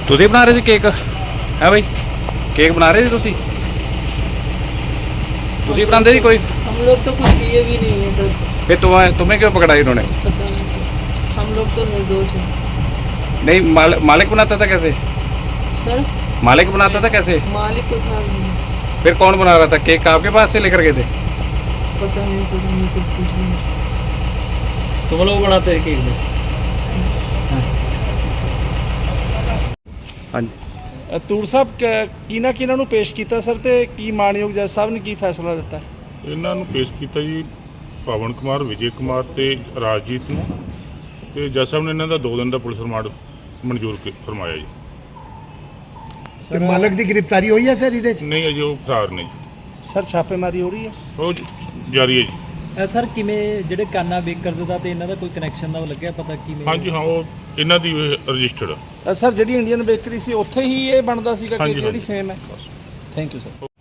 ਤੁਸੀਂ ਬਣਾ ਰਹੇ ਸੀ ਕੇਕ ਹੈ ਬਾਈ? केक बना रहे थे तुसी बनाते जी कोई? हम लोग तो कुछ किए भी नहीं है सर। फिर तुम्हें क्यों पकड़ा इन्होंने? पता नहीं सर, हम लोग तो निर्दोष हैं। नहीं मालिक बनाता था कैसे? सर मालिक बनाता था कैसे? मालिक तो था नहीं। फिर कौन बना रहा था केक? आपके पास से लेकर गए थे? पता नहीं सर, हमें कुछ पूछ नहीं। तुम लोग बनाते हैं केक में? हाँ जी। ਤੂਰ ਸਾਹਿਬ ਕਿਹਨਾਂ ਨੂੰ ਪੇਸ਼ ਕੀਤਾ ਸਰ ਤੇ ਕੀ ਮਾਨਯੋਗ ਜੱਜ ਸਾਹਿਬ ਨੇ ਕੀ ਫੈਸਲਾ ਦਿੱਤਾ? ਇਹਨਾਂ ਨੂੰ ਪੇਸ਼ ਕੀਤਾ ਜੀ ਪਵਨ ਕੁਮਾਰ, ਵਿਜੇ ਕੁਮਾਰ ਤੇ ਰਾਜਜੀਤ ਨੂੰ, ਤੇ ਜੱਜ ਸਾਹਿਬ ਨੇ ਇਹਨਾਂ ਦਾ 2 ਦਿਨ ਦਾ ਪੁਲਿਸ ਰਿਮਾਂਡ ਮਨਜ਼ੂਰ ਫਰਮਾਇਆ ਜੀ। ਤੇ ਮਾਲਕ ਦੀ ਗ੍ਰਿਫਤਾਰੀ ਹੋਈ ਹੈ ਸਰ ਇਹਦੇ ਚ? ਨਹੀਂ ਅਜੇ ਉਹ ਫਰਾਰ ਨੇ ਜੀ, ਸਰ ਛਾਪੇਮਾਰੀ ਹੋ ਰਹੀ ਹੈ? ਉਹ ਜਾਰੀ ਹੈ ਜੀ। ਸਰ ਕਿਵੇਂ ਜਿਹੜੇ ਕਾਨਾ ਬੇਕਰਜ਼ ਦਾ ਤੇ ਇਹਨਾਂ ਦਾ ਕੋਈ ਕਨੈਕਸ਼ਨ ਦਾ ਲੱਗਿਆ ਪਤਾ ਕਿਵੇਂ? ਹਾਂਜੀ ਹਾਂ, ਉਹ ਇਹਨਾਂ ਦੀ ਰਜਿਸਟਰਡ। ਸਰ ਜਿਹੜੀ ਇੰਡੀਅਨ ਬੇਕਰੀ ਸੀ ਉੱਥੇ ਹੀ ਇਹ ਬਣਦਾ ਸੀਗਾ ਹਾਂਜੀ, ਕੇਕ ਜਿਹੜੀ ਹਾਂਜੀ। ਸੇਮ ਹੈ? Thank you sir.